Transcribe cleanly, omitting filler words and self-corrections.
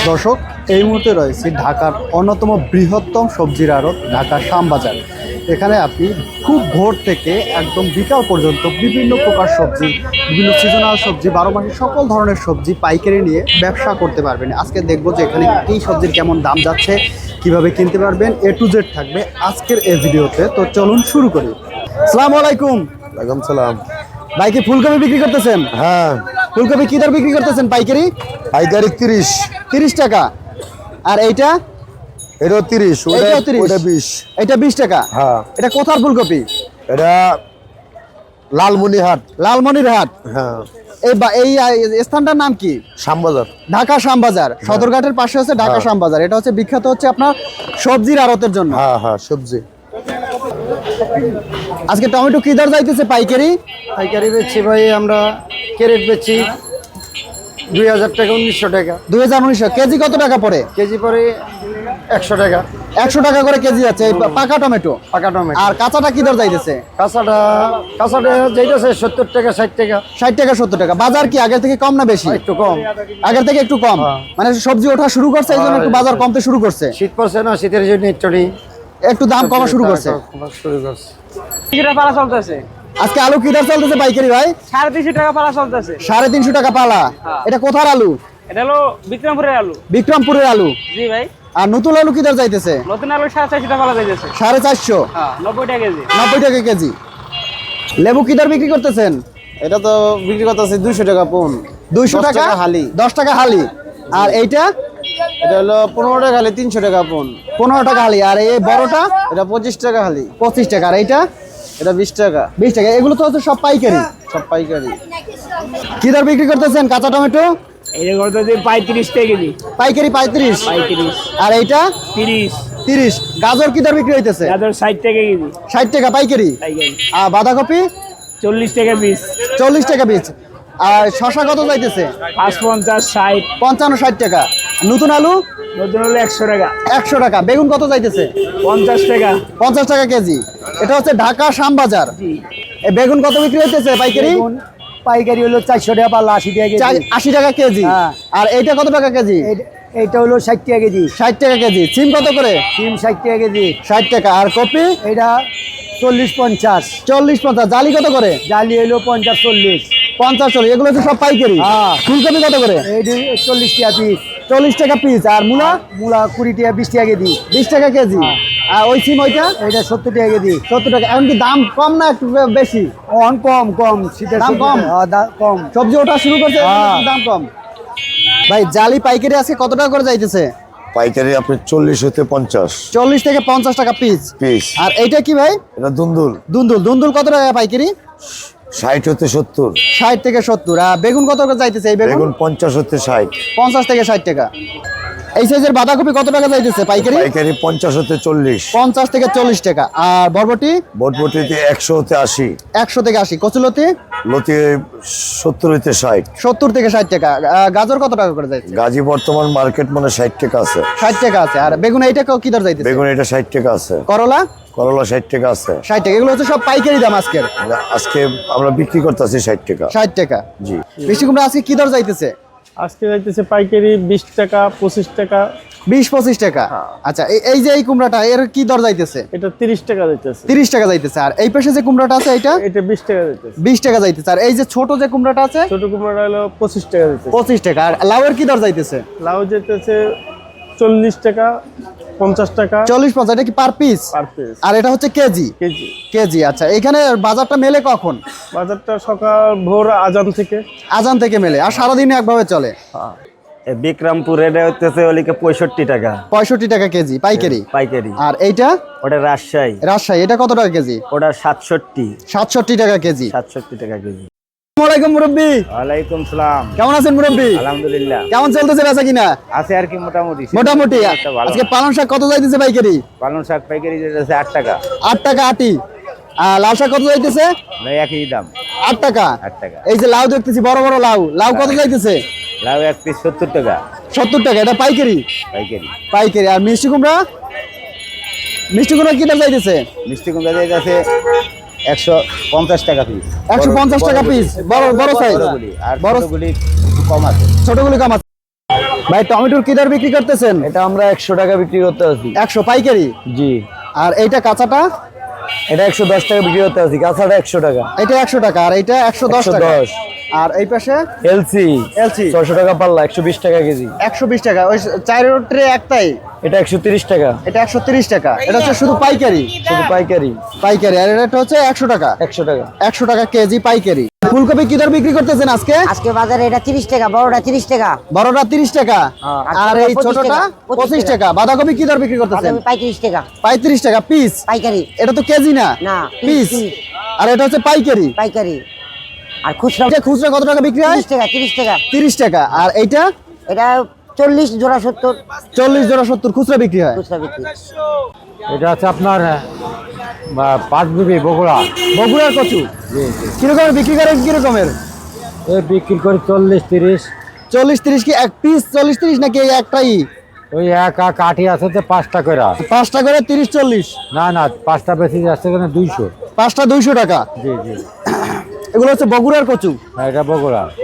দর্শক, এই মুহূর্তে রয়েছে ঢাকার অন্যতম বৃহত্তম সবজির আড়ত ঢাকা শ্যামবাজার। এখানে আপনি খুব ভোর থেকে একদম বিকাল পর্যন্ত বিভিন্ন প্রকার সবজি, বিভিন্ন সিজনাল সবজি, 12 মাসের সকল ধরনের সবজি পাইকারি নিয়ে ব্যবসা করতে পারবেন। আজকে দেখবো যে এখানে এই সবজির কেমন দাম যাচ্ছে, কিভাবে কিনতে পারবেন, A to Z থাকবে আজকের এই ভিডিওতে। তো চলুন শুরু করি। আসসালামু আলাইকুম। ওয়ালাইকুম সালাম। ভাই কি ফুলকপি বিক্রি করতেছেন? হ্যাঁ, ফুলকপি কি দর বিক্রি করতেছেন পাইকারি? পাইকারি 30 টাকা। আর এইটা? এটাও 30, এটাও 30, ওটা 20। এটা 20 টাকা। হ্যাঁ, এটা কোথার ফুলকপি? এটা লালমনিরহাট। লালমনিরহাট। হ্যাঁ, এই স্থানটার নাম কি? শ্যামবাজার। ঢাকা শ্যামবাজার। সদরঘাটের পাশে হচ্ছে ঢাকা শ্যামবাজার। এটা হচ্ছে বিখ্যাত হচ্ছে আপনার সবজির আড়তের জন্য। হ্যাঁ হ্যাঁ, সবজি। আজকে টমেটো কি দর যাইতেছে পাইকারি? পাইকারি বেচছি ভাই, আমরা ক্যারেট বেচছি 2000 টাকা, 1900 টাকা 2019 কেজি কত টাকা পড়ে? কেজি, পরে 100 টাকা। 100 টাকা করে কেজি আছে এই পাকা টমেটো। পাকা টমেটো। আর কাঁচাটা কি দর যাইতেছে? কাঁচাটা যাইতেছে 70 টাকা, 60 টাকা। 60 টাকা 70 টাকা। বাজার কি আগের থেকে কম না বেশি? একটু কম। আগের থেকে একটু কম। মানে সবজি ওঠা শুরু করছে, এই জন্য একটু বাজার কমতে শুরু করছে। শীত পড়ছে না, শীতের জন্য একটু দাম কমা শুরু করছে। পালা চলতেছে আজকে আলু কি দর চলতেছে পাইকারি ভাই? 350 টাকা পালা চলতেছে। 350 টাকা পালা। এটা কোথার আলু? এটা হলো বিক্রমপুরের আলু। বিক্রমপুরের আলু। জি ভাই। আর নতুন আলু কি দর যাইতেছে? নতুন আলু 450 টাকা পালা যাইতেছে। 450। হ্যাঁ, 90 টাকা কেজি। 90 টাকা কেজি। লেবু কি দর বিক্রি করতেছেন? এটা তো বিক্রি করতেছে 200 টাকা পন। 200 10 টাকা টাকা হালি। 10 টাকা হালি। আর এইটা? এটা হলো 15 টাকা হালি, 300 টাকা পন। 15 টাকা হালি। আর এই বড়টা? এটা 25 টাকা হালি। 25 টাকা। আর এইটা? এটা 20 টাকা। 20 টাকা। এগুলো তো হচ্ছে সব পাইকারি। সব পাইকারি। কি দর বিক্রি করতেছেন কাঁচা টমেটো? এই যে করতেছে 35 টাকা কেজি। পাইকারি 35। 35। আর এইটা? 30। 30। গাজর কি দর বিক্রি হইতেছে? গাজর 60 টাকা কেজি। 60 টাকা পাইকারি। পাইকারি। আর বাঁধাকপি? 40 টাকা পিস। 40 টাকা পিস। আর শশা কত যাইতেছে? 55, 60। 55 60 টাকা। নতুন আলু? নতুন হলো 100 টাকা। 100 টাকা। বেগুন কত যাইতেছে? 50 টাকা। 50 টাকা কেজি। এটা হচ্ছে ঢাকা শ্যামবাজার। জি। এই বেগুন কত বিক্রি হইতেছে পাইকারি? পাইকারি হলো 400 টাকা পাল্লা, 80 টাকা কেজি। 80 টাকা কেজি। হ্যাঁ। আর এইটা কত টাকা কেজি? এইটা হলো 60 টাকা কেজি। 60 টাকা কেজি। সিম কত করে? সিম 60 টাকা কেজি। 60 টাকা। আর কপি? এটা 40 50। 40 50। জালি কত করে? জালি হলো 50 40। 50 40। এগুলো হচ্ছে সব পাইকারি। হ্যাঁ। ফুলকপি কত করে? এইটা 40 টাকা পিস। 40 টাকা পিস। আর মূলা? মূলা 20 টাকা, 20 টাকা কেজি। 20 টাকা কেজি। আর ওই সিম ওইটা? এটা 70 টাকা কেজি। 70 টাকা। এখন কি দাম কম না একটু বেশি? অন কম শীতের দাম সবজি। কম? কম। সবজি ওঠা শুরু করছে, হ্যাঁ। দাম কম। ভাই জালি পাইকারি আজকে কত টাকা করে যাইতেছে? পাইকারি আপনি 40 হতে 50 40 থেকে 50 টাকা পিস। পিস। আর এইটা কি ভাই? এটা দুন্দুল দুন্দুল। দুন্দুল কত টাকা পাইকারি? 60 হতে 70। 60 থেকে 70। আর বেগুন কত করে যাইতেছে এই বেগুন? বেগুন 50 হতে 60। 50 থেকে 60 টাকা। এই সাইজের বাঁধাকপি কত টাকা যাইতেছে পাইকারি? পাইকারি 50 হতে 40। 50 থেকে 40 টাকা। আর বরবটি? বটবটিতে 100 হতে 80। 100 থেকে 80। কচুলতি? লতি 70 হতে 60। 70 থেকে 60 টাকা। গাজর কত টাকা করে যাইতেছে? গাজী বর্তমান মার্কেট মানে 60 টাকা আছে। 60 টাকা আছে। আর বেগুন এইটা কি দর যাইতেছে? বেগুন এটা 60 টাকা আছে। করলা? করলা 60 টাকা আছে। 60 টাকা। এগুলো হচ্ছে সব পাইকারি দাম আজকের। আজকে আমরা বিক্রি করতেছি 60 টাকা। 60 টাকা। জি। মিষ্টি কুমড়া আজকে কি দর যাইতেছে? আজকে যাইতেছে পাইকারি 20 টাকা, 25 টাকা। 20-25 টাকা। আচ্ছা, এই যে এই কুমড়াটা এর কি দর যাইতেছে? এটা 30 টাকা যাইতেছে। 30 টাকা যাইতেছে। আর এই পাশে যে কুমড়াটা আছে এটা? এটা 20 টাকা যাইতেছে। 20 টাকা যাইতেছে। আর এই যে ছোট যে কুমড়াটা আছে? ছোট কুমড়া হলো 25 টাকা যাইতেছে। 25 টাকা। আর লাউয়ের কি দর যাইতেছে? লাউ যাইতেছে 40 টাকা, 50 টাকা 40-50। এটা কি পার পিস? Per piece. আর এটা হচ্ছে কেজি? কেজি। কেজি। আচ্ছা, এখানে বাজারটা মেলে কখন? বাজারটা সকাল ভোর আজান থেকে। আজান থেকে মেলে। আর সারাদিনে একভাবে চলে? বিক্রমপুর এটা হচ্ছে ওলিকে 65 টাকা 65 টাকা কেজি পাইকারি। পাইকারি। আর এইটা? ওটা রাজশাহী। রাজশাহী। এটা কত টাকা কেজি? ওটা 67। 67 টাকা কেজি। 67 টাকা কেজি। আসসালামু আলাইকুম মুরব্বি। ওয়ালাইকুম সালাম। কেমন আছেন মুরব্বি? আলহামদুলিল্লাহ। কেমন চলতেছে বেচা কিনা? আছে আর কি মোটামুটি। মোটামুটি। ভালো। আজকে পালং শাক কত যাইতেছে পাইকারি? পালং শাক পাইকারি যেটা 8 টাকা। 8 টাকা আটি। আর লাউ শাক কত যাইতেছে? ভাই একই দাম। 8 টাকা। 8 টাকা। এই যে লাউ দেখতেছি বড় বড় লাউ, লাউ কত যাইতেছে? লাউ এক পিস 70 টাকা 70 টাকা। এটা পাইকারি? পাইকারি। পাইকারি। আর মিষ্টি কুমড়া? মিষ্টি কুমড়া কি দাম যাইতেছে? মিষ্টি কুমড়া যাইতেছে 150 টাকা পিস। 150 টাকা পিস। বড় বড় সাইজ। বড়গুলি। আর বড় ছোটগুলি একটু কম আছে। ছোটগুলি কম আছে। ভাই টমেটোর কি দর বিক্রি করতেছেন? এটা আমরা 100 টাকা বিক্রি করতে আছি। 100 পাইকারি। জি। আর এইটা কাঁচাটা? এটা 110 টাকা বিক্রি করতে আছি, কাঁচাটা 100 টাকা। এটা 100 টাকা আর এইটা 110 টাকা। 110। আর এই পাশে এলসি এলসি 600 টাকা পাল্লা, 120 টাকা কেজি। 120 টাকা। ওই 4 ট্রে একটাই। এটা 130 টাকা। এটা 130 টাকা। এটা হচ্ছে শুধু পাইকারি। শুধু পাইকারি। পাইকারি। আর এটা হচ্ছে 100 টাকা। 100 টাকা। 100 টাকা কেজি পাইকারি। ফুলকপি কি দর বিক্রি করতেছেন আজকে? আজকে বাজারে এটা 30 টাকা, বড়টা 30 টাকা। বড়টা 30 টাকা। আর এই 25 ছোটটা টাকা, 25 টাকা। বাঁধাকপি কি দর বিক্রি করতেছেন? বাদামি 35 টাকা 35 টাকা পিস। পাইকারি। এটা তো কেজি না, না, পিস। piece। আর এটা হচ্ছে পাইকারি। পাইকারি। আর খুচরা এটা খুচরা কত টাকা বিক্রি হয়? 30 টাকা 30 টাকা। 30 টাকা। আর এইটা এটা 40 জোড়া 70 40 জোড়া 70 খুচরা বিক্রি হয়। খুচরা বিক্রি। এটা হচ্ছে আপনার 5 বিঘি বগুড়া। বগুড়ার কচু কিরকমের বিক্রি করেন? কিরকমের এই বিক্রি করি 40-30। 40-30 কি এক পিস? 40-30 নাকি এই একটাই? ওই এক আঠি আছে তো 5টা করে। 5টা করে 30-40। না না, 5টা বেশি যাচ্ছে কেন 200। 5টা 200 টাকা। জি জি। এগুলো হচ্ছে বগুড়ার কচু। হ্যাঁ, এটা বগুড়া।